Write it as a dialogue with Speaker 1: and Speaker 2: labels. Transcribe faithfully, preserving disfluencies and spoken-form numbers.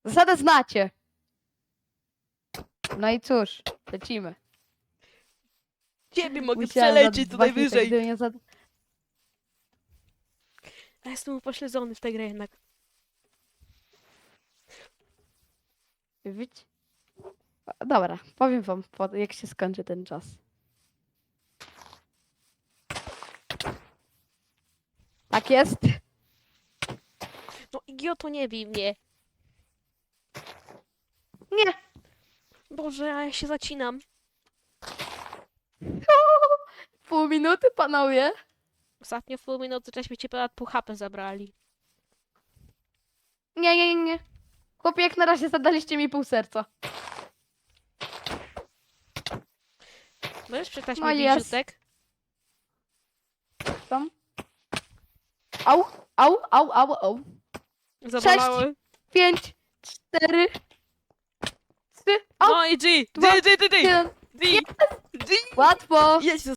Speaker 1: Zasadę znacie. No i cóż, lecimy.
Speaker 2: Ciebie mogę
Speaker 1: Musiałam
Speaker 2: przelecieć
Speaker 1: za-
Speaker 2: tutaj
Speaker 1: właśnie tak,
Speaker 2: wyżej.
Speaker 1: gdyby nie za...
Speaker 2: Ja jestem upośledzony w tę grę jednak.
Speaker 1: Widzicie? Dobra, powiem wam, po- jak się skończy ten czas. Tak jest.
Speaker 2: No idioto, nie bij mnie.
Speaker 1: Nie.
Speaker 2: Boże, a ja się zacinam.
Speaker 1: Pół minuty, panowie.
Speaker 2: Ostatnio w pół minuty żeśmy cię ponad pół H P zabrali.
Speaker 1: Nie, nie, nie, nie. Chłopie, jak na razie zadaliście mi pół serca.
Speaker 2: Możesz przeczytać
Speaker 1: No
Speaker 2: mi
Speaker 1: jest.
Speaker 2: biziutek?
Speaker 1: Tam. Au, au, au, au, au.
Speaker 2: Zabolały.
Speaker 1: Pięć, cztery, trzy, au,
Speaker 2: No i G!
Speaker 1: dwa,
Speaker 2: G, G, G, G!
Speaker 1: jeden.
Speaker 2: G! G!
Speaker 1: Łatwo.
Speaker 2: Jedź